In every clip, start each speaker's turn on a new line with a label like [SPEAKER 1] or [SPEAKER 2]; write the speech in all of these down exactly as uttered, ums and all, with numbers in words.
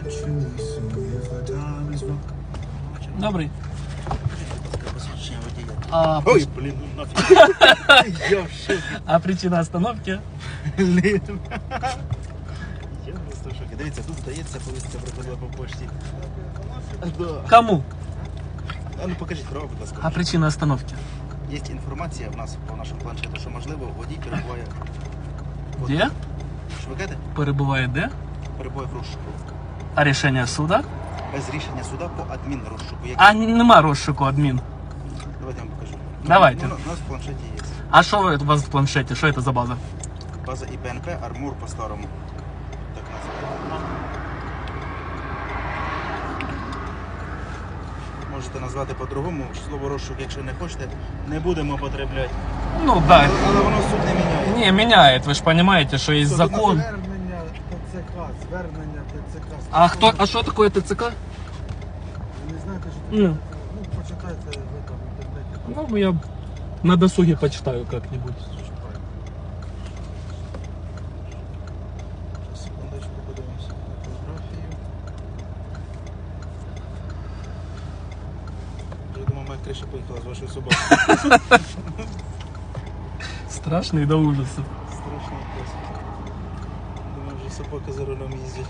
[SPEAKER 1] Добрий. А,
[SPEAKER 2] Ой, блін, ну нафіг. Я в шокі.
[SPEAKER 1] а причина остановки?
[SPEAKER 2] Блін. Я просто в шокі. Дивіться, тут здається, повістка приходила по пошті. Да.
[SPEAKER 1] Кому?
[SPEAKER 2] А ну покажіть право, будь ласка.
[SPEAKER 1] А причина остановки?
[SPEAKER 2] Є інформація в нас по нашому планшету, що можливо водій перебуває.
[SPEAKER 1] Де?
[SPEAKER 2] Що ви кажете?
[SPEAKER 1] Перебуває де?
[SPEAKER 2] Перебуває в розшуку.
[SPEAKER 1] А рішення суда?
[SPEAKER 2] Без рішення суда по адмінрозшуку. Як...
[SPEAKER 1] А нема розшуку адмін.
[SPEAKER 2] Давайте я вам покажу.
[SPEAKER 1] Давайте.
[SPEAKER 2] Ну, у нас в планшеті є.
[SPEAKER 1] А що ви- у вас в планшеті? Що це за база?
[SPEAKER 2] База І П Н П, Армур по-старому. Так називається. Можете назвати по-другому. Слово розшук, якщо не хочете, не будемо потребляти.
[SPEAKER 1] Ну да.
[SPEAKER 2] Але воно суд не міняє.
[SPEAKER 1] Не, меняет, вы же понимаете, что есть
[SPEAKER 2] Суд
[SPEAKER 1] закон.
[SPEAKER 3] Звернення ТЦК, звернення ТЦК.
[SPEAKER 1] А кто, а что такое ТЦК?
[SPEAKER 3] Ви не знаєте, що
[SPEAKER 1] Ну.
[SPEAKER 3] це? Ну, почитайте ви там в інтернеті.
[SPEAKER 1] Ну, я на досуге почитаю как-нибудь.
[SPEAKER 2] Секундочку, подивимося на фотографію. Я думаю, моя криша поїхала з вашою собакою.
[SPEAKER 1] Страшный до ужаса.
[SPEAKER 2] Страшний пес. Думаю, вже собаки за рулем їздять.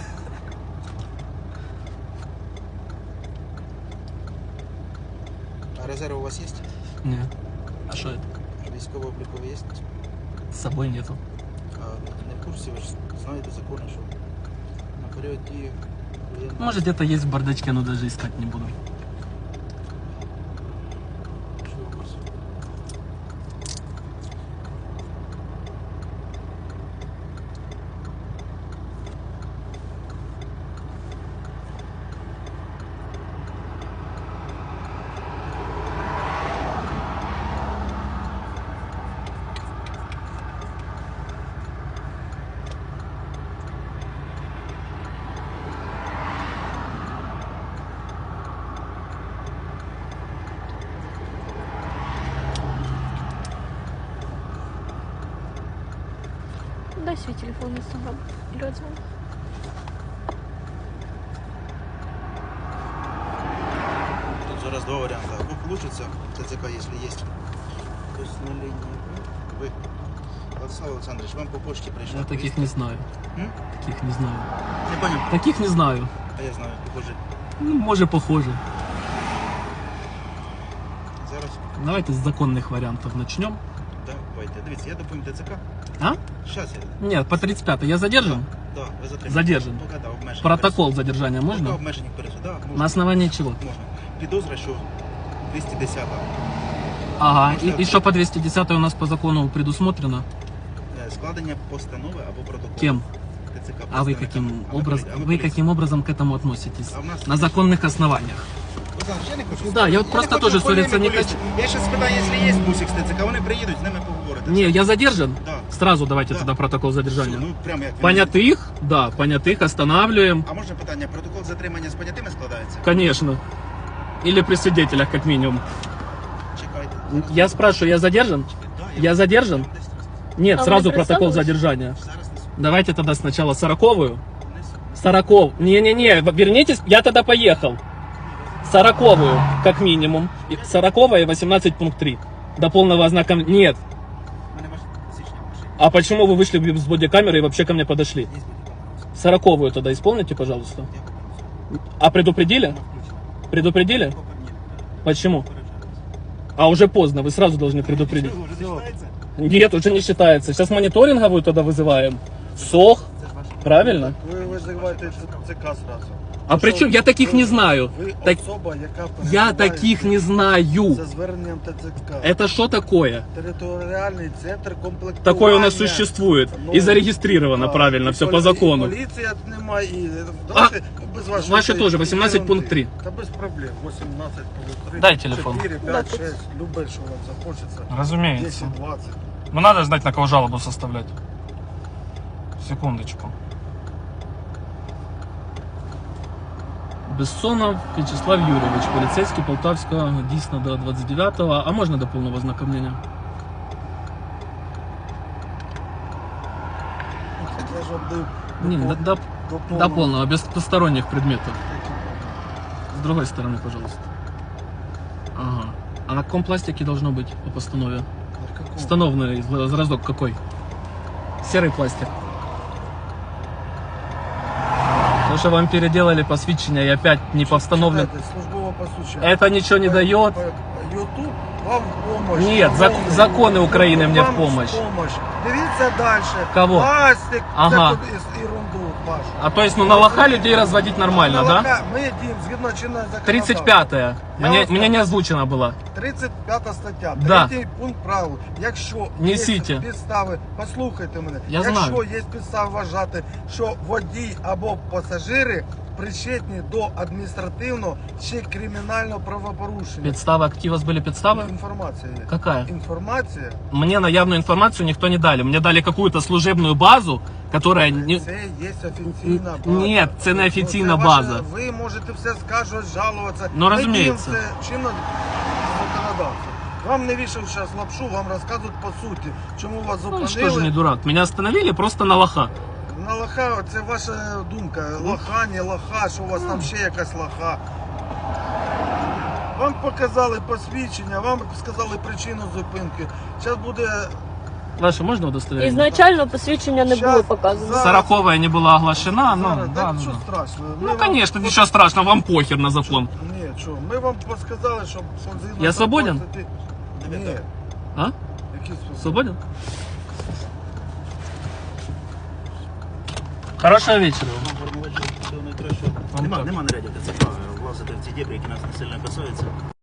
[SPEAKER 2] А резерв у вас є?
[SPEAKER 1] Нет. А что это?
[SPEAKER 2] Військово-облікові є?
[SPEAKER 1] С собой нету.
[SPEAKER 2] А не в курсі, ви ж знаєте закони, що на період дії воєнного...
[SPEAKER 1] Может, где-то есть в бардачке, но даже искать не буду.
[SPEAKER 2] Що у вас?
[SPEAKER 4] Дай свой телефон, если вам или отзвоню.
[SPEAKER 2] Тут зараз два варіанти. Або получится ТЦК, если есть. То есть на линии вы. Владислав Олександрович, вам по почті прийшла.
[SPEAKER 1] Я таких
[SPEAKER 2] повістка.
[SPEAKER 1] не знаю.
[SPEAKER 2] М?
[SPEAKER 1] Таких не знаю.
[SPEAKER 2] Не понял.
[SPEAKER 1] Таких не знаю.
[SPEAKER 2] А я знаю, похоже.
[SPEAKER 1] Ну, может, похоже.
[SPEAKER 2] Зараз.
[SPEAKER 1] Давайте с законных вариантов начнем.
[SPEAKER 2] Давайте. Дивіться, я доповім ТЦК.
[SPEAKER 1] А?
[SPEAKER 2] Щас я.
[SPEAKER 1] Нет, по тридцать пятой я задержан?
[SPEAKER 2] Да, ви затримані.
[SPEAKER 1] Задержан.
[SPEAKER 2] Поки, да, обмежені
[SPEAKER 1] Протокол задержания
[SPEAKER 2] пересуд. Поки
[SPEAKER 1] можно?
[SPEAKER 2] обмежені пересуд, да, можна.
[SPEAKER 1] На основании чего?
[SPEAKER 2] Можна. Підозра, що двісті десята.
[SPEAKER 1] Ага,
[SPEAKER 2] Можно-
[SPEAKER 1] и, и что по двести десятой у нас по закону предусмотрено?
[SPEAKER 2] Е, Складення постанови або протоколу.
[SPEAKER 1] Кем?
[SPEAKER 2] ТЦК.
[SPEAKER 1] А вы
[SPEAKER 2] представниками.
[SPEAKER 1] каким,
[SPEAKER 2] А ми
[SPEAKER 1] образ...
[SPEAKER 2] полі- а ми
[SPEAKER 1] вы
[SPEAKER 2] поліція.
[SPEAKER 1] каким образом к этому относитесь?
[SPEAKER 2] А в нас-
[SPEAKER 1] На законных основаниях.
[SPEAKER 2] Олександр, я не хочу.
[SPEAKER 1] Да, я от
[SPEAKER 2] не
[SPEAKER 1] просто
[SPEAKER 2] хочу
[SPEAKER 1] тоже
[SPEAKER 2] полеміку
[SPEAKER 1] ссориться не
[SPEAKER 2] лізти. Я ще спитаю, якщо є бусик з ТЦК, вони приїдуть, з ними поговорити.
[SPEAKER 1] Не, я задержан?
[SPEAKER 2] Да.
[SPEAKER 1] Сразу давайте
[SPEAKER 2] Да.
[SPEAKER 1] тогда протокол задержания.
[SPEAKER 2] Все, ну прям як він.
[SPEAKER 1] Понятых? Да, понятых останавливаем.
[SPEAKER 2] А можна питання, протокол затримання з понятими складається?
[SPEAKER 1] Конечно. Или при свидетелях, как минимум.
[SPEAKER 2] Чекайте.
[SPEAKER 1] Я спрашиваю, я задержан?
[SPEAKER 2] Да,
[SPEAKER 1] Я задержан?
[SPEAKER 2] вам десь раз-
[SPEAKER 1] Нет,
[SPEAKER 4] А вы
[SPEAKER 1] сразу
[SPEAKER 4] не
[SPEAKER 1] протокол
[SPEAKER 4] представились?
[SPEAKER 1] задержания.
[SPEAKER 2] Зараз несу.
[SPEAKER 1] Давайте тогда сначала сороковую.
[SPEAKER 2] Несу.
[SPEAKER 1] Сороков. Не-не-не, вернитесь, я тогда поехал. Сороковую, как минимум. И сороковая и восемнадцать пункт три. До полного ознакомления. Нет.
[SPEAKER 2] У мене ваш січня машина.
[SPEAKER 1] А почему вы вышли без бодикамеры и вообще ко мне подошли?
[SPEAKER 2] Є будь-яка.
[SPEAKER 1] Сороковую тогда исполните, пожалуйста.
[SPEAKER 2] Я понял.
[SPEAKER 1] А предупредили?
[SPEAKER 2] Вона включена.
[SPEAKER 1] Предупредили?
[SPEAKER 2] Поки ні.
[SPEAKER 1] Почему?
[SPEAKER 2] Попереджаю.
[SPEAKER 1] А уже поздно, вы сразу должны предупредить.
[SPEAKER 2] Що, вже не читається?
[SPEAKER 1] Нет, уже не считается. Сейчас мониторинговую тогда вызываем. СОХ,
[SPEAKER 2] Це ж ваше.
[SPEAKER 1] правильно?
[SPEAKER 3] Ви визиваєте ТЦК зразу.
[SPEAKER 1] А при чем? Я таких не знаю.
[SPEAKER 3] Ви
[SPEAKER 1] Так-
[SPEAKER 3] особа, яка
[SPEAKER 1] Я таких не знаю.
[SPEAKER 3] за зверненням ТЦК.
[SPEAKER 1] Это что такое?
[SPEAKER 3] Територіальний центр комплектування.
[SPEAKER 1] Такое у нас существует.
[SPEAKER 3] Ну,
[SPEAKER 1] И зарегистрировано
[SPEAKER 3] да,
[SPEAKER 1] правильно,
[SPEAKER 3] і
[SPEAKER 1] все
[SPEAKER 3] полі-
[SPEAKER 1] по закону.
[SPEAKER 3] і Поліція немає. І... Давайте без вашої
[SPEAKER 1] ваші
[SPEAKER 3] цієї
[SPEAKER 1] теж, вісімнадцять пункт три.
[SPEAKER 3] Та без проблем. вісімнадцять пункт три.
[SPEAKER 1] Дай телефон.
[SPEAKER 3] чотири, п'ять, шесть. Любе, що вам захочеться.
[SPEAKER 1] Разумеется.
[SPEAKER 3] десять, двадцять.
[SPEAKER 1] Ну надо знать, на кого жалобу составлять. Секундочку. Бессонов Вячеслав Юрьевич, полицейский Полтавского, дійсно до двадцять дев'ятого. А можна до повного ознакомлення?
[SPEAKER 3] Я ж вам доводив
[SPEAKER 1] Не,
[SPEAKER 3] до,
[SPEAKER 1] до, до,
[SPEAKER 3] до
[SPEAKER 1] до
[SPEAKER 3] повного.
[SPEAKER 1] полного, без посторонних предметов. С другой стороны, пожалуйста. Ага. А на каком пластике должно быть по постанове?
[SPEAKER 3] На каком?
[SPEAKER 1] Установленный зразок какой? Серый пластик. Потому что вам переделали посвящение и опять не постановлен.
[SPEAKER 3] Читайте, службове посвідчення.
[SPEAKER 1] Это ничего не дает.
[SPEAKER 3] Ютуб вам в помощь.
[SPEAKER 1] Нет, зак-
[SPEAKER 3] Шановний.
[SPEAKER 1] законы Украины
[SPEAKER 3] YouTube
[SPEAKER 1] мне в
[SPEAKER 3] вам
[SPEAKER 1] помощь.
[SPEAKER 3] помощь. Дивіться далі.
[SPEAKER 1] Кого?
[SPEAKER 3] Пластик,
[SPEAKER 1] Ага.
[SPEAKER 3] таку ес- ерунду вашу.
[SPEAKER 1] А то есть, ну на лоха людей разводить нормально, да?
[SPEAKER 3] Молока Ми діємо згідно чинного законодавства.
[SPEAKER 1] тридцать пятая.
[SPEAKER 3] Я
[SPEAKER 1] Мне,
[SPEAKER 3] вам
[SPEAKER 1] мне
[SPEAKER 3] скажу.
[SPEAKER 1] не озвучена была.
[SPEAKER 3] тридцять п'ята стаття,
[SPEAKER 1] Да.
[SPEAKER 3] третій пункт правил. Якщо
[SPEAKER 1] Несіть.
[SPEAKER 3] є підстави, послухайте мене,
[SPEAKER 1] Я
[SPEAKER 3] якщо
[SPEAKER 1] знаю.
[SPEAKER 3] є підстави вважати, що водій або пасажири причетні до адміністративного чи кримінального правопорушення.
[SPEAKER 1] Підстава, какие у вас были підстави?
[SPEAKER 3] Інформація є.
[SPEAKER 1] Какая?
[SPEAKER 3] Інформація.
[SPEAKER 1] Мне наявную информацию никто не дали. Мне дали какую-то служебную базу, которая не...
[SPEAKER 3] Це є офіційна база.
[SPEAKER 1] Ні, це не офіційна
[SPEAKER 3] Ну, це ваше-
[SPEAKER 1] база.
[SPEAKER 3] Ви можете все скажуть, жалуватися.
[SPEAKER 1] Ну,
[SPEAKER 3] Ми
[SPEAKER 1] розуміється.
[SPEAKER 3] діємо це чинно законодавство. Вам не вішав зараз лапшу, вам розказують по суті, чому вас
[SPEAKER 1] Ну,
[SPEAKER 3] зупинили.
[SPEAKER 1] что же не дурак? Меня остановили просто на лоха.
[SPEAKER 3] На лоха, це ваша думка. Лоха, не лоха, що у вас там ще якась лоха. Вам показали посвідчення, вам сказали причину зупинки. Зараз буде...
[SPEAKER 1] Ваше можно удостоверение?
[SPEAKER 4] Ізначально посвідчення не було
[SPEAKER 3] Щас,
[SPEAKER 4] показано.
[SPEAKER 3] за-
[SPEAKER 1] Сороковая не была оглашена, ну,
[SPEAKER 3] Зараз,
[SPEAKER 1] да,
[SPEAKER 3] так,
[SPEAKER 1] ну,
[SPEAKER 3] що
[SPEAKER 1] да.
[SPEAKER 3] страшно. Ми
[SPEAKER 1] Ну,
[SPEAKER 3] вам
[SPEAKER 1] конечно,
[SPEAKER 3] пос-
[SPEAKER 1] ничего страшного, вам похер на закон.
[SPEAKER 3] Ні, що, ми вам сказали, що... згідно
[SPEAKER 1] Я свободен?
[SPEAKER 3] двадцять- Ні.
[SPEAKER 1] А?
[SPEAKER 3] Які свободен?
[SPEAKER 1] Свободен? Хорошего вечера.
[SPEAKER 2] Нема, нема нарядів ТЦК влазити в ці дебри, які нас не сильно касаються.